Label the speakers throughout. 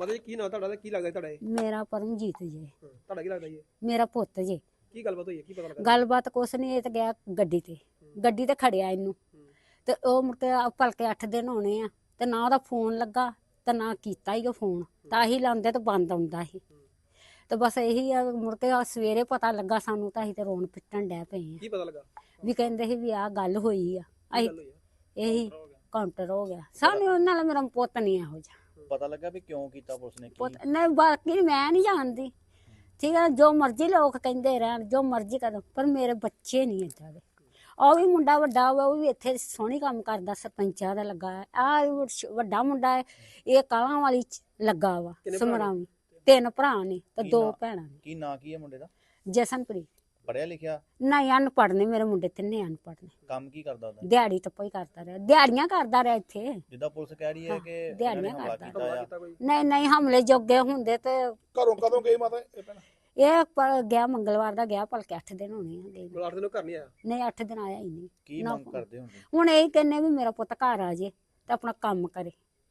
Speaker 1: ਮਾਤਾ ਜੀ ਕੀ ਨਾਂ ਤੁਹਾਡਾ ਤੇ ਕੀ ਲੱਗਦਾ ਤੁਹਾਡਾ ਇਹ?
Speaker 2: ਮੇਰਾ ਪਰਮਜੀਤ ਜੀ।
Speaker 1: ਤੁਹਾਡਾ ਕੀ ਲੱਗਦਾ ਜੀ ਇਹ?
Speaker 2: ਮੇਰਾ ਪੁੱਤ ਜੀ।
Speaker 1: ਕੀ ਗੱਲਬਾਤ ਹੋਈ ਹੈ, ਕੀ ਪਤਾ ਲੱਗਾ?
Speaker 2: ਗੱਲਬਾਤ ਕੁਛ ਨਹੀਂ, ਇਹ ਤਾਂ ਗਿਆ ਗੱਡੀ ਤੇ ਖੜਿਆ ਇਹਨੂੰ ਤੇ ਉਹ ਮੁੜ ਕੇ ਭਲਕੇ 8 ਦਿਨ ਹੋਣੇ ਆ ਤੇ ਨਾ ਉਹਦਾ ਫੋਨ ਲੱਗਾ ਤੇ ਨਾ ਕੀਤਾ ਹੀ ਉਹ ਫੋਨ, ਤਾਂ ਹੀ ਲਾਉਂਦੇ ਤੇ ਬੰਦ ਆਉਂਦਾ ਸੀ। ਤੇ ਬਸ ਇਹੀ ਆ, ਮੁੜ ਕੇ ਸਵੇਰੇ ਪਤਾ ਲੱਗਾ ਸਾਨੂੰ ਤਾਂ ਅਸੀਂ ਤੇ ਰੋਣ ਪਿੱਟਣ ਡੈ ਪਏ ਆ।
Speaker 1: ਕੀ ਪਤਾ ਲੱਗਾ?
Speaker 2: ਵੀ ਕਹਿੰਦੇ ਸੀ ਵੀ ਆਹ ਗੱਲ ਹੋਈ ਆ। ਅਸੀਂ
Speaker 1: ਗੱਲ ਹੋਈ ਆ?
Speaker 2: ਇਹੀ ਕਾਊਂਟਰ ਹੋ ਗਿਆ ਸਾਨੂੰ, ਉਹਨਾਂ ਨਾਲ ਮੇਰਾ ਪੁੱਤ ਨਹੀਂ ਇਹੋ ਜਿਹਾ।
Speaker 3: ਪਤਾ ਲੱਗਾ ਵੀ ਕਿਉਂ ਕੀਤਾ ਪੁਲਿਸ ਨੇ?
Speaker 2: ਪੁੱਤ ਨਹੀਂ, ਬਾਕੀ ਮੈਂ ਨਹੀਂ ਜਾਣਦੀ, ਠੀਕ ਹੈ, ਜੋ ਮਰਜ਼ੀ ਲੋਕ ਕਹਿੰਦੇ ਰਹਿਣ, ਜੋ ਮਰਜ਼ੀ ਕਰਨ, ਪਰ ਮੇਰੇ ਬੱਚੇ ਨਹੀਂ ਏਦਾਂ ਦੇ। ਉਹ ਵੀ ਮੁੰਡਾ ਵੱਡਾ ਹੋਇਆ, ਉਹ ਵੀ ਇੱਥੇ ਸੋਹਣੀ ਕੰਮ ਕਰਦਾ, ਸਰਪੰਚਾਂ ਦਾ ਲੱਗਾ ਹੈ। ਆਹ ਵੱਡਾ ਮੁੰਡਾ ਹੈ, ਇਹ ਕਾਲਾਂ ਵਾਲੀ ਚ ਲੱਗਾ ਵਾ ਸਮਰਾਵੀ। 3 ਭਰਾ ਨੇ ਤੇ 2 ਭੈਣਾਂ ਨੇ।
Speaker 3: ਕੀ ਨਾਂ ਕੀ ਹੈ ਮੁੰਡੇ ਦਾ?
Speaker 2: ਜਸਨਪ੍ਰੀਤ।
Speaker 3: ਪੜਿਆ ਲਿਖਿਆ?
Speaker 2: ਨਹੀਂ, ਅਨਪੜ੍ਹ ਨੇ ਮੇਰੇ ਮੁੰਡੇ, 3 ਅਨਪੜ੍ਹ ਨੇ।
Speaker 3: ਕੰਮ ਕੀ ਕਰਦਾ ਉਹਦਾ?
Speaker 2: ਦਿਹਾੜੀ ਟੱਪਾ ਹੀ ਕਰਦਾ ਰਿਹਾ, ਦਿਹਾੜੀਆਂ ਕਰਦਾ ਰਿਹਾ ਇੱਥੇ।
Speaker 3: ਜਿੱਦਾਂ ਪੁਲਿਸ ਕਹਿ ਰਹੀ ਹੈ ਕਿ
Speaker 2: ਦਿਹਾੜੀਆਂ
Speaker 3: ਹਮਲਾ
Speaker 2: ਕਰਦਾ।
Speaker 3: ਕੀਤਾ ਆ।
Speaker 2: ਨਹੀਂ ਨਹੀਂ, ਹਮਲੇ ਜੋਗੇ ਹੁੰਦੇ ਤੇ
Speaker 1: ਘਰੋਂ ਕਦੋਂ ਗਏ ਮਾਤਾ ਇਹ ਭੈਣ?
Speaker 2: ਇਹ ਗਿਆ ਮੰਗਲਵਾਰ ਦਾ ਗਿਆ, ਭਲਕੇ 8 ਦਿਨ ਹੋਣੇ ਆ ਗਏ।
Speaker 1: 8 ਦਿਨ ਘਰ ਨਹੀਂ ਆਇਆ?
Speaker 2: ਨਹੀਂ, 8 ਦਿਨ ਆਇਆ ਹੀ ਨਹੀਂ।
Speaker 3: ਕੀ ਮੰਗ ਕਰਦੇ ਹੁੰਦੇ?
Speaker 2: ਹੁਣ ਇਹ ਕਹਿੰਨੇ ਵੀ ਮੇਰਾ ਪੁੱਤ ਘਰ ਆ ਜੇ ਤੇ ਆਪਣਾ ਕੰਮ ਕਰੇ।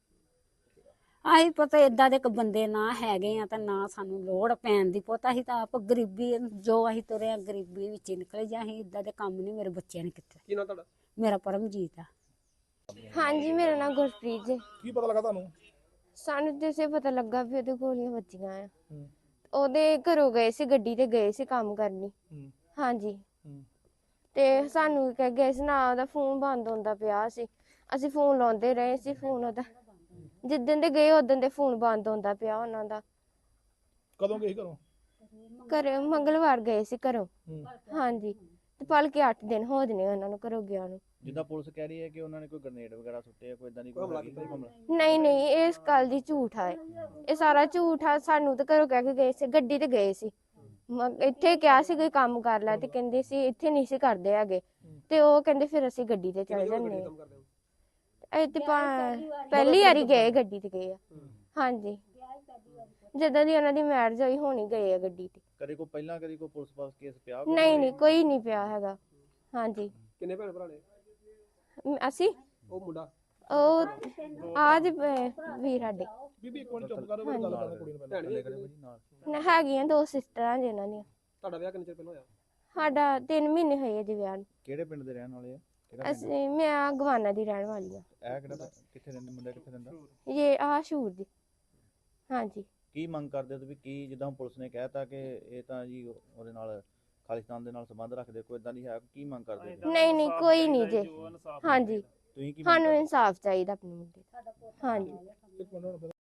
Speaker 2: ਆਹੀ ਪਤਾ ਏਦਾਂ ਦੇ ਬੰਦੇ ਨਾ ਹੈਗੇ ਆ ਤਾਂ ਨਾ ਸਾਨੂੰ ਲੋੜ ਪੈਣ ਦੀ। ਪੁੱਤ ਅਸੀਂ ਤਾਂ ਆਪ ਗਰੀਬੀ, ਜੋ ਅਸੀਂ ਤੁਰੇ ਆ ਗਰੀਬੀ ਵਿੱਚ ਹੀ ਨਿਕਲੇ, ਜਾਂ ਅਸੀਂ ਏਦਾਂ ਦੇ ਕੰਮ ਨਹੀਂ ਮੇਰੇ ਬੱਚਿਆਂ ਨੇ ਕੀਤੇ।
Speaker 1: ਕੀ ਨਾਂ ਤੁਹਾਡਾ?
Speaker 2: ਮੇਰਾ ਪਰਮਜੀਤ ਆ।
Speaker 4: ਹਾਂਜੀ, ਮੇਰਾ ਨਾਮ ਗੁਰਪ੍ਰੀਤ ਜੀ।
Speaker 1: ਕੀ ਪਤਾ ਲੱਗਾ ਤੁਹਾਨੂੰ?
Speaker 4: ਸਾਨੂੰ ਜਿਸੇ ਪਤਾ ਲੱਗਾ ਵੀ ਉਹਦੇ ਗੋਲੀਆਂ ਵੱਜੀਆਂ ਆ। ਉਹਦੇ ਘਰੋਂ ਗਏ ਸੀ, ਗੱਡੀ ਤੇ ਗਏ ਸੀ ਕੰਮ ਕਰਨੀ। ਹਾਂਜੀ, ਤੇ ਸਾਨੂੰ ਕਹਿ ਗਏ ਸੀ ਨਾ, ਉਹਦਾ ਫੋਨ ਬੰਦ ਹੁੰਦਾ ਪਿਆ ਸੀ। ਅਸੀਂ ਫੋਨ ਲਾਉਂਦੇ ਰਹੇ ਸੀ, ਫੋਨ ਉਹਦਾ ਜਿੱਦਣ ਦੇ ਗਏ ਉਦੋਂ ਦੇ ਫੋਨ ਬੰਦ ਹੁੰਦਾ ਪਿਆ ਉਹਨਾਂ ਦਾ।
Speaker 1: ਕਦੋਂ ਗਏ ਘਰੋਂ?
Speaker 4: ਘਰੇ ਮੰਗਲਵਾਰ ਗਏ ਸੀ ਘਰੋਂ। ਹਾਂਜੀ, ਤੇ ਭਲਕੇ 8 ਦਿਨ ਹੋ ਜਨੇ ਉਹਨਾਂ ਨੂੰ ਘਰੋਂ ਗਿਆ ਨੂੰ।
Speaker 3: ਜਿੱਦਾਂ ਪੁਲਿਸ ਕਹਿ ਰਹੀ ਹੈ ਕਿ ਉਹਨਾਂ ਨੇ ਕੋਈ ਗ੍ਰਨੇਡ ਵਗੈਰਾ ਸੁੱਟੇ ਆ, ਕੋਈ ਇਦਾਂ ਦੀ ਕੋਈ ਹਮਲਾ?
Speaker 4: ਨਹੀਂ ਨਹੀਂ, ਇਹ ਇਸ ਗੱਲ ਦੀ ਝੂਠ ਆ। ਇਹ ਸਾਰਾ ਝੂਠ ਆ। ਸਾਨੂੰ ਤਾਂ ਘਰੋਂ ਕਹਿ ਕੇ ਗਏ ਸੀ, ਗੱਡੀ ਤੇ ਗਏ ਸੀ। ਇੱਥੇ ਕਿਹਾ ਸੀ ਕੋਈ ਕੰਮ ਕਰ ਲੈ, ਤੇ ਕਹਿੰਦੇ ਸੀ ਇੱਥੇ ਨਹੀਂ ਸੀ ਕਰਦੇ ਹੈਗੇ। ਤੇ ਉਹ ਕਹਿੰਦੇ ਫਿਰ ਅਸੀਂ ਗੱਡੀ ਤੇ ਚਲੇ ਜਾਂਦੇ ਆ। ਇਹ ਤੇ ਪਹਿਲੀ ਵਾਰੀ ਗਏ, ਗੱਡੀ ਤੇ ਗਏ ਆ। ਹਾਂਜੀ, ਜਦੋਂ ਦੀ ਉਹਨਾਂ ਦੀ ਮੈਰਿਜ ਹੋਈ ਹੋਣੀ ਗਏ ਆ ਗੱਡੀ ਤੇ।
Speaker 3: ਕਦੇ ਕੋਈ ਪਹਿਲਾਂ ਕਦੇ ਕੋਈ ਪੁਲਿਸ ਪਾਸ ਕੇਸ ਪਿਆ?
Speaker 4: ਨਹੀਂ ਨਹੀਂ, ਕੋਈ ਨਹੀਂ ਪਿਆ ਹੈਗਾ। ਹਾਂਜੀ।
Speaker 1: ਕਿੰਨੇ ਭੈਣ ਭਰਾ ਨੇ?
Speaker 4: ਅਸੀਂ
Speaker 1: ਉਹ ਮੁੰਡਾ?
Speaker 4: ਉਹ ਆਜ ਵੀਰ ਸਾਡੇ
Speaker 1: ਬੀਬੀ ਇੱਕ ਮਿੰਟ ਚੁੱਪ ਕਰੋ, ਗੱਲ ਕਰਨ ਕੁੜੀ ਨੂੰ ਪਹਿਲਾਂ।
Speaker 4: ਹੈਗੀਆਂ 2 ਸਿਸਟਰਾਂ ਜਿਨ੍ਹਾਂ ਦੀਆਂ।
Speaker 1: ਤੁਹਾਡਾ ਵਿਆਹ ਕਿੰਨੇ ਚਿਰ ਪਹਿਲਾਂ ਹੋਇਆ?
Speaker 4: ਸਾਡਾ 3 ਮਹੀਨੇ ਹੋਏ ਜੀ ਵਿਆਹ ਨੂੰ।
Speaker 3: ਕਿਹੜੇ ਪਿੰਡ ਦੇ ਰਹਿਣ ਵਾਲੇ ਆ?
Speaker 4: ਅਸੀਂ ਮੈਂ ਗਵਾਨਾ ਦੀ ਰਹਿਣ ਵਾਲੀ ਆ।
Speaker 3: ਇਹ ਕਿਹੜਾ ਕਿੱਥੇ ਰਹਿੰਦੇ ਮੁੰਡਾ, ਕਿੱਥੇ ਰਹਿੰਦਾ?
Speaker 4: ਇਹ ਸ਼ੂਰ ਦੀ। ਹਾਂਜੀ।
Speaker 3: ਕੀ ਮੰਗ ਕਰਦੇ ਹੋ ਤੁਸੀਂ? ਕੀ ਜਿੱਦਾਂ ਪੁਲਿਸ ਨੇ ਕਹਿਤਾ ਕਿ ਇਹ ਤਾਂ ਜੀ ਉਹਦੇ ਨਾਲ ਖਾਲਿਸਤਾਨ ਦੇ ਨਾਲ ਸੰਬੰਧ ਰੱਖਦੇ, ਕੋਈ ਇਦਾਂ ਦੀ ਹੈ? ਕੀ ਮੰਗ ਕਰਦੇ ਹੋ?
Speaker 4: ਨਹੀਂ ਨਹੀਂ, ਕੋਈ ਨਹੀਂ ਜੀ। ਹਾਂਜੀ,
Speaker 3: ਤੁਸੀਂ ਕੀ
Speaker 4: ਸਾਨੂੰ ਇਨਸਾਫ ਚਾਹੀਦਾ ਆਪਣੇ ਮੁੰਡੇ ਦਾ। ਹਾਂਜੀ।